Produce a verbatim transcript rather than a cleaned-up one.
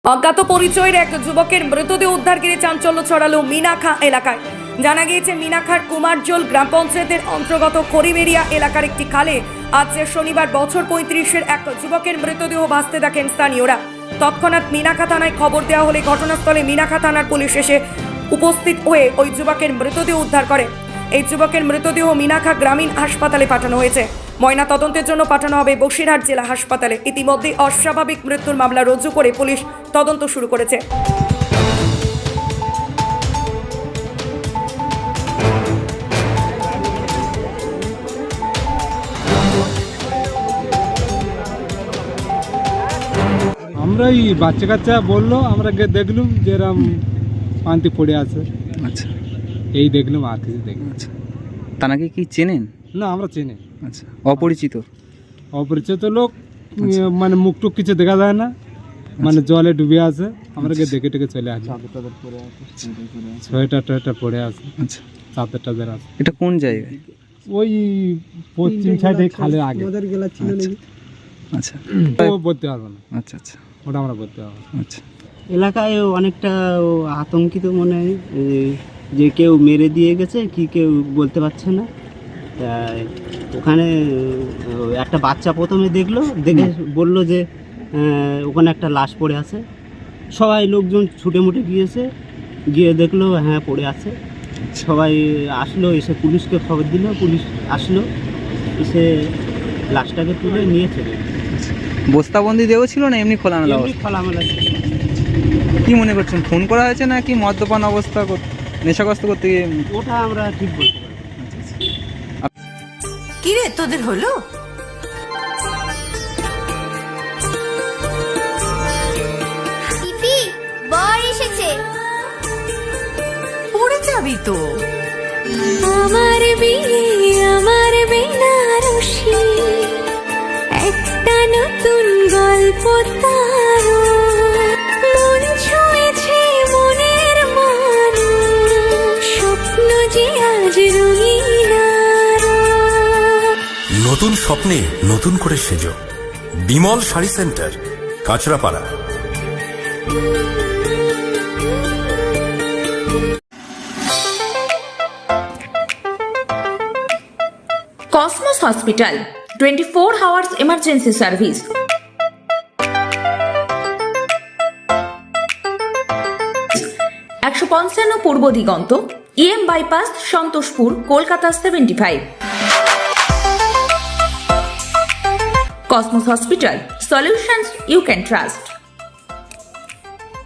অজ্ঞাত পরিচয়ের এক যুবকের মৃতদেহ উদ্ধার ঘিরে চাঞ্চল্য ছড়ালো মিনাখা এলাকায়। জানা গিয়েছে মিনাখার কুমারজোল গ্রাম পঞ্চায়েতের অন্তর্গত খড়িবেড়িয়া এলাকার একটি খালে আজ শনিবার বছর পঁয়ত্রিশের এক যুবকের মৃতদেহ ভাসতে দেখেন স্থানীয়রা। তৎক্ষণাৎ মিনাখা থানায় খবর দেওয়া হলে ঘটনাস্থলে মিনাখা থানার পুলিশ এসে উপস্থিত হয়ে ওই যুবকের মৃতদেহ উদ্ধার করে। এই যুবকের মৃতদেহ মিনাখা গ্রামীণ হাসপাতালে পাঠানো হয়েছে। ময়না তদন্তের জন্য পাঠানো হবে বসিরহাট জেলা হাসপাতালে। ইতিমধ্যে অস্বাভাবিক মৃত্যুর মামলা রুজু করে পুলিশ তদন্ত শুরু করেছে। আমরা এই বাচ্চা কাচ্চা বললো, আমরা গিয়ে দেখলুম যে এরম পান্তি পড়ে আছে। আচ্ছা, এই দেখলুম, আর কিছু দেখলাম। আচ্ছা, তানাকে কি চেনেন? না, আমরা চিনি। আচ্ছা, অপরিচিত অপরিচিত লোক, মানে মুখ টুক কিছু দেখা যায় না, মানে জলে ডুবে আছে। আমরা গিয়ে দেখে টেকে চলে আসি। সোয়েটার টোয়েটার পড়ে আছে। আচ্ছা, চাদর টাদর আছে। এটা কোন জায়গায়? ওই পশ্চিম সাইডে খালের আগে। আচ্ছা, ও বলতে পারবো না। আচ্ছা আচ্ছা ওটা আমরা বলতে পারবো না। আচ্ছা, এলাকায় অনেকটা আতঙ্কিত মনে হয় যে কেউ মেরে দিয়ে গেছে কি কেউ বলতে পারছে না। তাই ওখানে একটা বাচ্চা প্রথমে দেখলো, দেখে বলল যে ওখানে একটা লাশ পড়ে আছে। সবাই লোকজন ছুটে মুটে গিয়েছে, গিয়ে দেখলো হ্যাঁ পড়ে আছে। সবাই আসলো, এসে পুলিশকে খবর দিল, পুলিশ আসলো, এসে লাশটাকে তুলে নিয়ে চলে গেল। বস্তাবন্দি দেওয়া ছিল না এমনি খোলামেলা এমনি অবস্থা? খোলামেলা ছিল। কি মনে করছেন, ফোন করা হয়েছে না কি মদ্যপান অবস্থা নেশাগ্রস্ত করতে গিয়ে? ওটা আমরা ঠিক বলতে পারি। কি রে তোদের হলো? পিপি বর এসেছে। পড়ে যাবি তো। আমার বিয়ে আমার বেনারসি, একটা নতুন গল্প তার, মন ছুঁয়েছে মনের মানুষ, স্বপ্ন যে আজ রঙিন আরো। নতুন স্বপ্নে নতুন করে সেজো। Bimal sari centre, Kanchrapara. Cosmos Hospital, twenty-four hours emergency service. একশো পঞ্চান্ন Purba Diganta, EM bypass, Santoshpur, Kolkata seventy five. Cosmos Hospital, solutions you can trust.